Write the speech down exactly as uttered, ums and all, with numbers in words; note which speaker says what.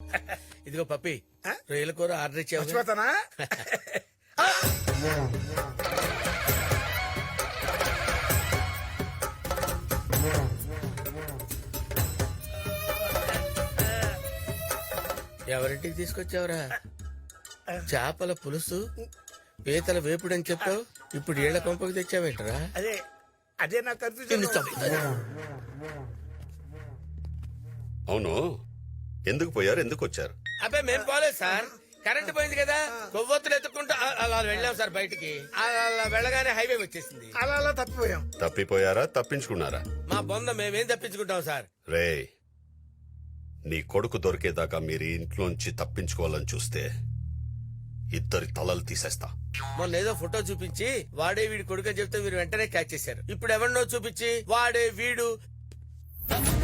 Speaker 1: ఇదిగో పప్పి రొయ్యల కూర ఆర్డర్ ఇచ్చావు
Speaker 2: మర్చిపోతానా?
Speaker 1: ఎవరింటికి తీసుకొచ్చావురా? చేపల పులుసు పీతల వేపుడు అని చెప్పావు, ఇప్పుడు ఏళ్ల కొంపకి తెచ్చావేంటరా?
Speaker 2: అదే అదే నాకు
Speaker 1: నిన్ను
Speaker 2: కన్ఫ్యూజన్.
Speaker 1: చంపుతాను.
Speaker 3: అవును, ఎందుకు పోయారు, ఎందుకు వచ్చారు?
Speaker 1: అబ్బాయి మేము పోలేదు సార్, కరెంట్ పోయింది కదా, కొవ్వొత్తులు ఎత్తుకుంటూ అ- అలా వెళ్ళాం సార్ బయటికి. అలా అలా వెళ్ళగానే హైవే వచ్చేసింది.
Speaker 2: అలా అలా తప్పిపోయాం.
Speaker 3: తప్పిపోయారా, తప్పించుకున్నారా?
Speaker 1: మా బొంద మేమేం తప్పించుకుంటాం సార్.
Speaker 3: రే, నీ కొడుకు దొరికేదాకా మీరు ఇంట్లోంచి తప్పించుకోవాలని చూస్తే ఇద్దరి తలలు తీసేస్తా.
Speaker 1: మొన్న ఏదో ఫోటో చూపించి వాడే వీడి కొడుకు అని చెప్తే మీరు వెంటనే క్యాచ్ చేశారు. ఇప్పుడు ఎవరినో చూపించి వాడే వీడు